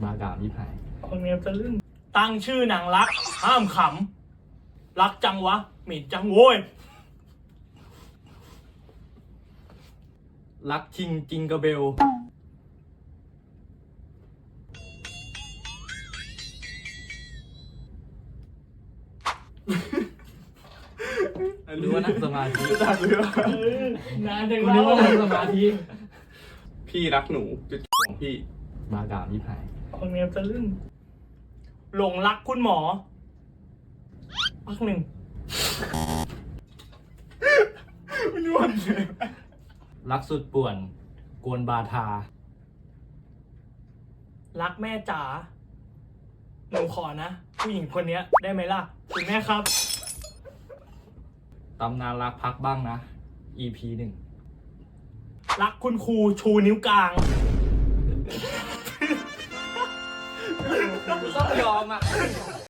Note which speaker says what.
Speaker 1: มากราบที่ไผ่
Speaker 2: คนเนี้ยจะลื่นตั้งชื่อหนังรักห้ามขำรักจังวะหมิ่นจังโว้ย
Speaker 1: รักจริงจิงกระเบลหรือว่านั่งสมาธิ
Speaker 3: จักเรือ
Speaker 2: นานจัง
Speaker 1: กูนึกว่านั่งสมาธิ
Speaker 3: พี่รักหนูจุดของพี่
Speaker 1: มากราบที่ไผ่
Speaker 2: คนเนี้ยจะลื่นหลงรักคุณหมอพักหนึ่ง
Speaker 3: มันวนเลย
Speaker 1: รักสุดป่วนกวนบาทา
Speaker 2: รักแม่จ๋าหนูขอนะ ผู้หญิงคนเนี้ยได้ไหมล่ะคุณแม่ครับ
Speaker 1: ตำนานรักพักบ้างนะ EP 1
Speaker 2: รักคุณครูชูนิ้วกลาง
Speaker 1: ต้องยอมอ่ะ